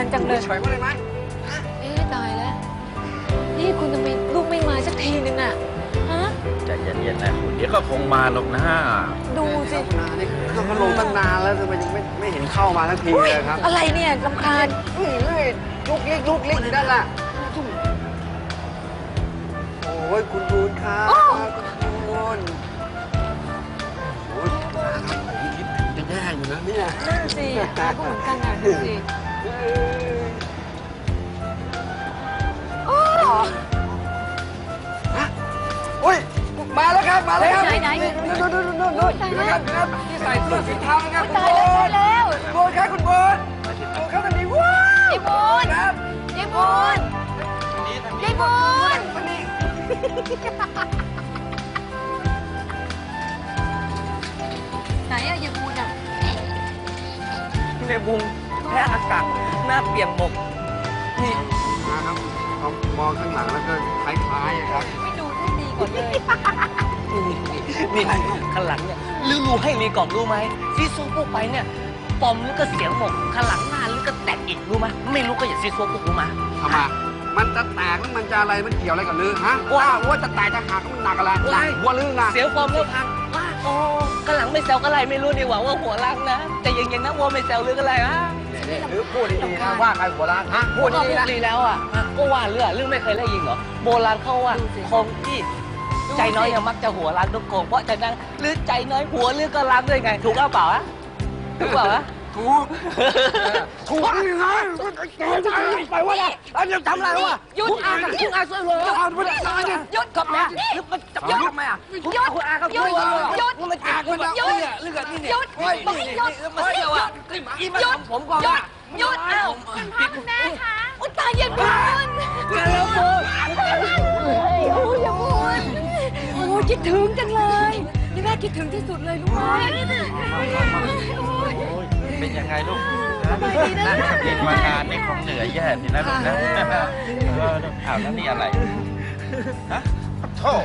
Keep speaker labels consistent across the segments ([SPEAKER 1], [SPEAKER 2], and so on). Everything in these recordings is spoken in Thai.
[SPEAKER 1] จังเลย
[SPEAKER 2] เฉยมาเลยไหม
[SPEAKER 1] เอ๊ะตายแล้วนี่คุณทำไมลูกไม่มาสักทีนึงอะฮะ
[SPEAKER 3] ใจเย็นๆนะคุณเดี๋ยวก็คงมาหรอกนะ
[SPEAKER 1] ดูสิ
[SPEAKER 2] คุณอานี่เครื่องพัดลมตั้งนานแล้วทำไมยังไม่เห็นเข้ามาสักทีเลยครับ
[SPEAKER 1] อะไรเนี่ยรำคาญ
[SPEAKER 2] เฮ้ยลุกลิกอยู่นั่นแหละโอ้ยคุณบูนครับคุณบูนโอ้ยครับผมคิดถึงจะแย่อยู่นะเนี่ย
[SPEAKER 1] นั่นสิอาก็เหมือนกันนะดูสิโอ้
[SPEAKER 2] ฮะโอ้ยมาแล้วครับมาแล้วครับ
[SPEAKER 1] ไหน
[SPEAKER 2] นู่นนะครับที่ใส่เสื้อสีเทานะครับคุณ
[SPEAKER 1] ตาย
[SPEAKER 2] บู
[SPEAKER 1] แล้ว
[SPEAKER 2] น
[SPEAKER 1] ตายแล้ว
[SPEAKER 2] บูนครับคุณบูนบูนครับตอนนี้ว้าวย
[SPEAKER 1] ายบูน
[SPEAKER 2] ครับ
[SPEAKER 1] ยายบูนยายบูน
[SPEAKER 2] วันนี้
[SPEAKER 1] ไหนอะยายบูนอะ
[SPEAKER 4] ในบุงแพ้อากาศหน้าเปี่ยมหมกนี่
[SPEAKER 2] มาครับมองข้างหลังแล้วก็คล้ายๆอะครับ
[SPEAKER 1] ไม่ดูให้ดีก่อนเลย
[SPEAKER 4] นี่ข้างหลังเนี่ยรู้ให้มีกล่องรู้ไหมซีซัวพวกไปเนี่ยปอมแล้วก็เสียงหมกข้างหลังหน้าแล้วก็แตกอีกรู้ไหมไม่รู้ก็อย่าซีซัวพวกรู้มา
[SPEAKER 2] ทำไมมันจะแตกแล้วมันจะอะไรมันเกี่ยวอะไรกับลือฮะว่าจะแตกจะหักมันหนักอะไรหนักหัวลือนะ
[SPEAKER 4] เสียงปอมแล้วพังว่าโอ้ข้างหลังไม่แซวก็ไรไม่รู้ดีกว่าว่าหัวล้างนะแต่ยังนะวัวไม่แซวหรืออะไรฮะ
[SPEAKER 2] หรือพูดดีๆนะว่าใครหัวล้านฮะพู
[SPEAKER 4] พู
[SPEAKER 2] ด
[SPEAKER 4] ด
[SPEAKER 2] ดีๆนะ
[SPEAKER 4] ดีแล้วอ่ะก็ว่าเรื่องไม่เคยได้ยินเหรอโบราณเขาว่าคนที่ใจน้อยยังมักจะหัวล้านทุกคนเพราะฉะนั้นหรือใจน้อยหัวหรือก็ล้างด้วยไงถูกเปล่าอะถูกเปล่าอะ
[SPEAKER 2] ถูกถูกยังไงไปว่าอะไรอันนี้ทำอะไรวะ
[SPEAKER 1] หยุดอากับ
[SPEAKER 4] คุณอาช่วยเลย
[SPEAKER 2] เอาไปเลย
[SPEAKER 4] หยุดกับแม่หรือมันจับยอดทำไมอ่ะคุณอาครับช่วยเลยมันแตกมันแบบเนี่ยเลือดนี่เนี่ย
[SPEAKER 1] หยุดบอกให้หยุด
[SPEAKER 4] มันเสียวอ่ะอีมาทำผมก่อน
[SPEAKER 1] หยุดอ้าวคุณแม่คะอุยตายยายบูน
[SPEAKER 4] แล้วโบ
[SPEAKER 1] โอ้ยยายบูนโอ้ยคิดถึงจังเลยนี่แม่คิดถึงที่สุดเลยรู้ไหม
[SPEAKER 3] เป็นยังไงลูก
[SPEAKER 1] สบายดีนะ
[SPEAKER 3] เด็กมางานนี่คงเหนื่อยแย่สินะลูกนะอ้าวแล้วนี่อะไรฮะโธ่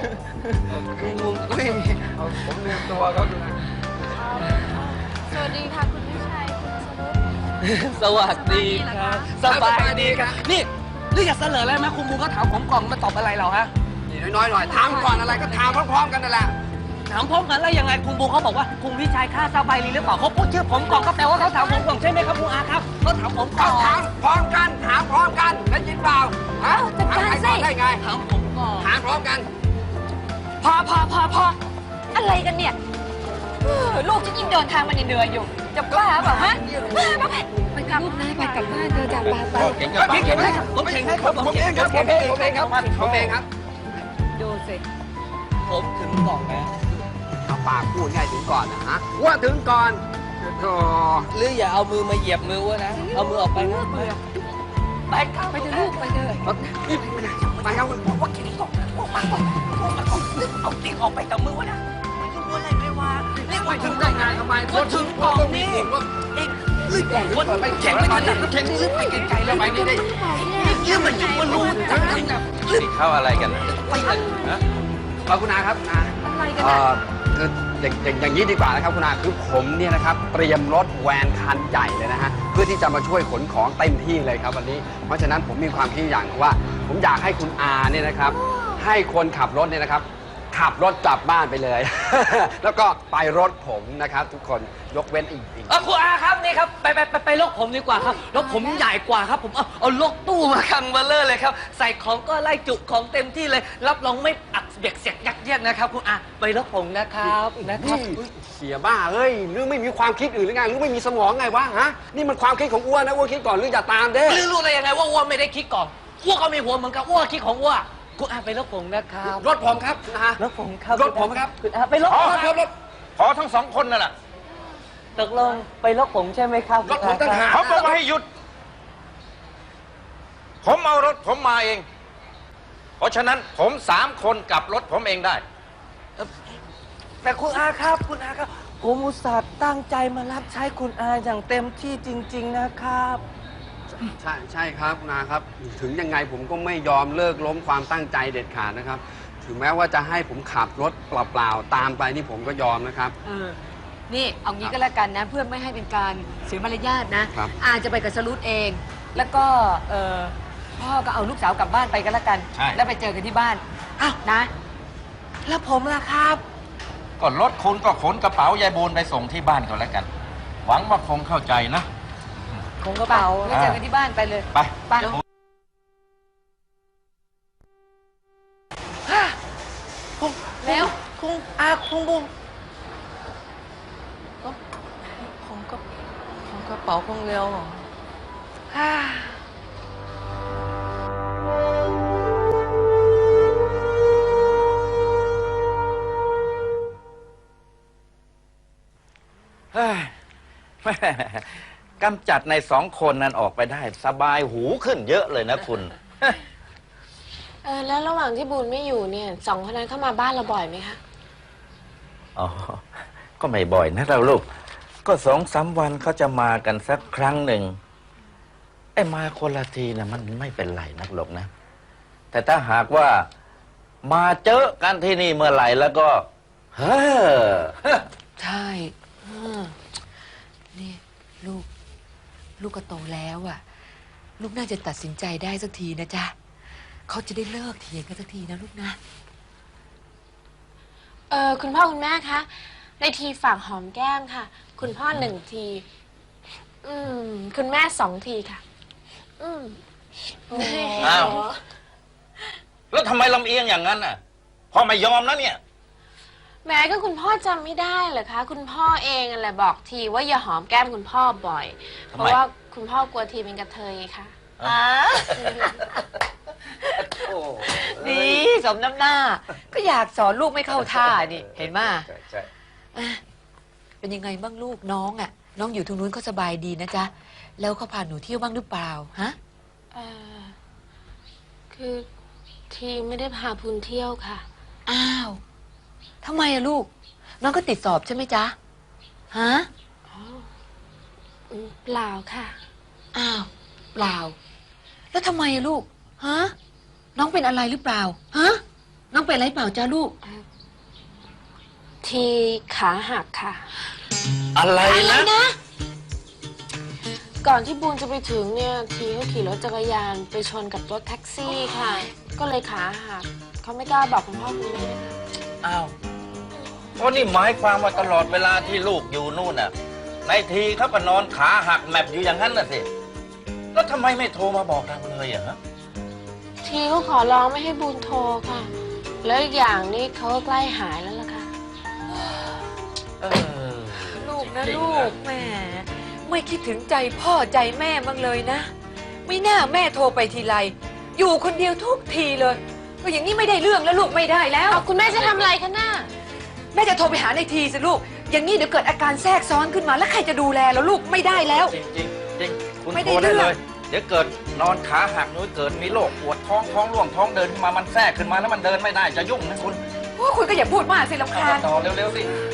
[SPEAKER 2] ผมลืมตัวครับ
[SPEAKER 1] สวัสดีค่ะคุณวิชัยคุณสรุป
[SPEAKER 4] สวัสดีครับสบายดีครับนี่หรืออยากเสนออะไรไหมคุณบูก็ถามผมกล่องมาตอบอะไรเราฮะ
[SPEAKER 2] น้อยหน่อยถามก่อนอะไรก็ถามพร้อมๆกันนั่นแหละ
[SPEAKER 4] ถามพร้อมกันแล้วยังไงคุณบูเขาบอกว่าคุณวิชัยค่าสบายดีหรือเปล่าเขาพูดชื่อผมก่อนก็แปลว่าเขาถามผมก่อนใช่ไหมครับคุณอาครับเขาถามผมก่
[SPEAKER 2] ต้
[SPEAKER 4] อ
[SPEAKER 2] องถาน มพร้อมกันถามพร้อมกันได้ยินเปล่าฮะถามใครก่อนได้ไง
[SPEAKER 4] ถามผมก่อน
[SPEAKER 2] ถามพร้อมกัน
[SPEAKER 1] พออะไรกันเนี่ยลูกฉันยิ่งเดินทางมาเหนื่อยอยู่จะบ้าเปล่าฮะไปกลับนะไปกลับบ้านเธอจากบ้านไป
[SPEAKER 3] เก่งกับ
[SPEAKER 4] พี่เก่งให้ครับผมเก่งให้ครับ
[SPEAKER 2] ผมเองครับผมเองครับ
[SPEAKER 1] ดูสิ
[SPEAKER 4] ผมถึงกล่องแล้ว
[SPEAKER 2] เอาปากพูดง่ายถึงก่อนนะฮะว่าถึงก่อนโธ่
[SPEAKER 4] หรืออย่าเอามือมาเหยียบมือวะนะเอามือออกไปนะไปครับ
[SPEAKER 1] ไปเถอะลูกไปเถอะ
[SPEAKER 2] ไปครับ
[SPEAKER 4] ว่าเก่งก่อนเอาติ๊กออกไปจากมือวะนะไม่รู้อะไรไม่ว่าเรียกว่าถึงได้ไงทำไมว่าถึงกล่องนี่เอ็งเรื่องของคนไปแข่งไม่ทันแข่งนี่ไปไกลๆแล้วไปนี่ได้เรื่องมันอยู่บนรูจังแบบ
[SPEAKER 3] นี่เข้าอะไรกันนะฮะ
[SPEAKER 2] ขอบคุณอาครับอา
[SPEAKER 1] อะไรกันอ่ะ
[SPEAKER 2] คืออย่างนี้ดีกว่านะครับคุณอาคือผมเนี่ยนะครับเตรียมรถแวนคันใหญ่เลยนะฮะเพื่อที่จะมาช่วยขนของเต็มที่เลยครับวันนี้เพราะฉะนั้นผมมีความคิดอย่างว่า ผมอยากให้คุณอาเนี่ยนะครับให้คนขับรถเนี่ยนะครับขับรถกลับบ้านไปเลย แล้วก็ไปรถผมนะครับทุกคนยกเว้นอีก
[SPEAKER 4] คุณอาครับนี่ครับไปลกผมดีกว่าครับรถผมใหญ่กว่าครับผมเอาลกตู้มาคังเบลเลอร์เลยครับใส่ของก็ไล่จุของเต็มที่เลยรับรองไม่อักเบียกเสียกยักเยียดนะครับคุณอาไปรถผมนะครับนะครับ
[SPEAKER 2] เสียบ้าเฮ้ยหรือไม่มีความคิดอื่นหรือไงหรือไม่มีสมองไงวะฮะนี่มันความคิดของอ้วนนะอ้วนคิดก่อนหรืออย่าตามเด้
[SPEAKER 4] หรือรู้ได้ยังไงว่าอ้วนไม่ได้คิดก่อนอ้วนก็มีหัวเหมือนกันอ้วนคิดของอ้วนคุณอาไปรถผมนะครับ
[SPEAKER 2] รถผมครับนะฮะ
[SPEAKER 4] รถผมครับ
[SPEAKER 2] รถผมครับ
[SPEAKER 4] คุณอาไปรถ
[SPEAKER 3] อ๋อ
[SPEAKER 4] ผม
[SPEAKER 2] รถ
[SPEAKER 3] ขอทั้งสองคนนั่นแหละ
[SPEAKER 4] ตกลงไปรถผมใช่ไหมครับ
[SPEAKER 2] รถผมต่างหาก
[SPEAKER 3] เขาบอกว่าให้หยุด ผมเอารถผมมาเอง เพราะฉะนั้นผม3 คนกลับรถผมเองได้
[SPEAKER 4] แต่คุณอาครับคุณอาครับผมอุตส่าห์ตั้งใจมารับใช้คุณอาอย่างเต็มที่จริง ๆนะครับ
[SPEAKER 2] ใช่ครับคุณอาครับถึงยังไงผมก็ไม่ยอมเลิกล้มความตั้งใจเด็ดขาดนะครับ ถึงแม้ว่าจะให้ผมขับรถเปล่าๆตามไปนี่ผมก็ยอมนะครับ
[SPEAKER 1] นี่เอางี้ก็แล้วกันนะเพื่อไม่ให้เป็นการเสียมารยาทนะครับ อาจะไปกับสรุปเองแล้วก็พ่อก็เอาลูกสาวกลับบ้านไปกันแล้วกัน
[SPEAKER 3] ใช่
[SPEAKER 1] แล้วไปเจอกันที่บ้าน
[SPEAKER 4] อ้าว
[SPEAKER 1] นะ
[SPEAKER 4] แล้วผมล่ะครับ
[SPEAKER 3] ก็รถคุณก็ขนกระเป๋ายายบูนไปส่งที่บ้านก็แล้วกัน หวังว่าคงเข้าใจนะ
[SPEAKER 1] ของกระเป๋าไปเจอกันที่บ้านไปเลย
[SPEAKER 3] ไป
[SPEAKER 1] ไป แล้ว
[SPEAKER 4] คงคงบุญของกระเป๋าคงเร็วเหรอ
[SPEAKER 3] เฮ้ยแม่กำจัดในสองคนนั้นออกไปได้ สบายหูขึ้นเยอะเลยนะคุณ
[SPEAKER 5] แล้วระหว่างที่บูนไม่อยู่เนี่ยสองคนนั้นเข้ามาบ้านเราบ่อยไหมคะ
[SPEAKER 3] อ๋อ ก็ไม่บ่อยนะเราลูก ก็2-3 วันเขาจะมากันสักครั้งหนึ่งไอ้มาคนละทีนะมันไม่เป็นไรนักหรอกนะ แต่ถ้าหากว่ามาเจอกันที่นี่เมื่อไหร่แล้วก็ เฮ้อ
[SPEAKER 1] ใช่นี่ลูกก็โตแล้วอ่ะ ลูกน่าจะตัดสินใจได้สักทีนะจ๊ะเขาจะได้เลิกเถียงกันสักทีนะลูกนะ
[SPEAKER 5] คุณพ่อคุณแม่คะในทีฝากหอมแก้มค่ะ คุณพ่อ1 ที คุณแม่2 ทีค่ะ
[SPEAKER 3] อ้าว แล้วทำไมลำเอียงอย่างนั้นน่ะพ่อไม่ยอมนะเนี่ย
[SPEAKER 5] แม้ก็คุณพ่อจำไม่ได้เหรอคะ คุณพ่อเองนั่นแหละบอกทีว่าอย่าหอมแก้มคุณพ่อบ่อย
[SPEAKER 3] ทำไม
[SPEAKER 5] เพราะว่าคุณพ่อกลัวทีเป็นกระเทยค่ะ
[SPEAKER 1] ดีสมน้ำหน้า ก็อยากสอนลูกไม่เข้าท่านี่เห็นไหม
[SPEAKER 3] ใช่
[SPEAKER 1] เป็นยังไงบ้างลูกน้องอ่ะ น้องอยู่ตรงนู้นเขาสบายดีนะจ๊ะแล้วเขาพาหนูเที่ยวบ้างหรือเปล่าฮะ
[SPEAKER 5] คือทีไม่ได้พาพูนเที่ยวค่ะ
[SPEAKER 1] อ้าวทำไมอะลูก น้องก็ติดสอบใช่ไหมจ๊ะฮะ
[SPEAKER 5] เปล่าค่ะ
[SPEAKER 1] อ้าวเปล่า แล้วทำไมอะลูกฮะน้องเป็นอะไรหรือเปล่าฮะน้องเป็นอะไรเปล่าจ้าลูก
[SPEAKER 5] ทีขาหักค่ะ
[SPEAKER 3] อะไรนะ
[SPEAKER 5] ก่อนที่บูนจะไปถึงเนี่ย ทีเขาขี่รถจักรยานไปชนกับรถแท็กซี่ค่ะ ก็เลยขาหักเขาไม่กล้าบอกคุณพ่อคุณแม่ค่ะ
[SPEAKER 3] อ้าวเพราะนี่หมายความว่าตลอดเวลาที่ลูกอยู่นู่นน่ะ ในทีเขาก็นอนขาหักแมปอยู่อย่างนั้นน่ะสิ แล้วทำไมไม่โทรมาบอกเราเลยอะฮะ
[SPEAKER 5] ทีเขาขอร้องไม่ให้บูนโทรค่ะ แล้วอีกอย่างนี่เขาก็ใกล้หายแล้วล่ะค่ะ
[SPEAKER 1] ลูกนะ
[SPEAKER 3] จริง
[SPEAKER 1] ลูกแหม่ไม่คิดถึงใจพ่อใจแม่บ้างเลยนะ ไม่น่าแม่โทรไปทีไรอยู่คนเดียวทุกทีเลยก็อย่างนี้ไม่ได้เรื่องแล้วลูกไม่ได้แล้ว
[SPEAKER 5] เอาคุณแม่จะทำอะไรคะน่า
[SPEAKER 1] แม่จะโทรไปหาในทีสิลูก อย่างนี้เดี๋ยวเกิดอาการแทรกซ้อนขึ้นมาแล้วใครจะดูแลแล้วลูกไม่ได้แล้ว
[SPEAKER 3] จริงจริงจริงคุณ
[SPEAKER 1] ไม่ได้
[SPEAKER 3] โทรได้
[SPEAKER 1] เรื่
[SPEAKER 3] เล
[SPEAKER 1] อง
[SPEAKER 3] ย เดี๋ยวเกิดนอนขาหักนู้นเกิดมีโรคปวดท้องร่วงท้องเดินขึ้นมามันแทรกขึ้นมาแล้วมันเดินไม่ได้จะยุ่งนะคุณ
[SPEAKER 1] โอ้คุณก็อย่าพูดมากสิรำคาญ
[SPEAKER 3] ต่อเร็วๆสิ